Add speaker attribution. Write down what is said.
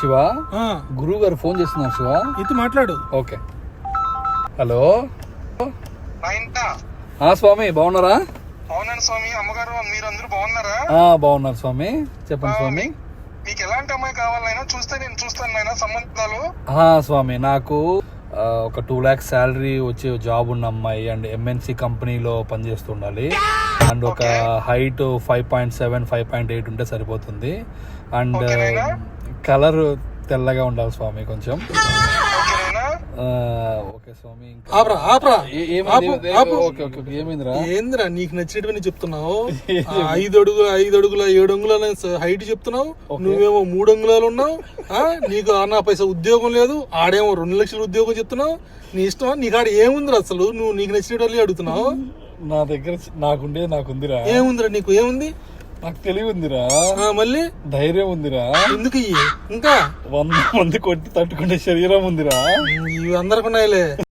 Speaker 1: శివ, గురువు గారు ఫోన్ చేస్తున్నారు శివ.
Speaker 2: ఇది మాట్లాడు.
Speaker 1: ఓకే. హలో స్వామి, బాగున్నారా?
Speaker 3: అవునండి స్వామి. అమ్మగారు మీరు అందరూ బాగున్నారా?
Speaker 1: బాగున్నారు స్వామి. చెప్పండి స్వామి.
Speaker 3: మీకు ఎలాంటి అమ్మాయి కావాలైనా చూస్తే నేను చూస్తాను నాయన సంబంధాలు.
Speaker 1: స్వామి, నాకు ఒక 2 lakhs శాలరీ వచ్చే జాబ్ ఉన్న అమ్మాయి అండ్ ఎంఎన్సి కంపెనీలో పనిచేస్తుండాలి అండ్ ఒక హైట్ 5.7 5.8 ఉంటే సరిపోతుంది అండ్ కలర్ తెల్లగా ఉండాలి స్వామి కొంచెం. ఓకే స్వామి.
Speaker 2: ఏంద్రా నీకు నచ్చినటువంటి చెప్తున్నావు? 5 అడుగుల 7 అంగుళాల హైట్ చెప్తున్నావు, నువ్వేమో 3 అంగుళాలు ఉన్నావు. నీకు అన్నా పైసా ఉద్యోగం లేదు, ఆడేమో 2 లక్షల ఉద్యోగం చెప్తున్నావు. నీ ఇష్టం. నీకు ఆడ ఏముందిరా అసలు? నువ్వు నీకు నచ్చినట్టు అడుగుతున్నావు.
Speaker 1: నా దగ్గర నాకుందిరా.
Speaker 2: ఏముందిరా నీకు? ఏముంది?
Speaker 1: నాకు తెలివి ఉందిరా,
Speaker 2: మళ్ళీ ధైర్యం
Speaker 1: ఉందిరా.
Speaker 2: ఎందుకు ఇంకా
Speaker 1: 100 మంది కొట్టి తట్టుకునే శరీరం ఉందిరా.
Speaker 2: ఇవి అందరికి ఉన్నాయిలే.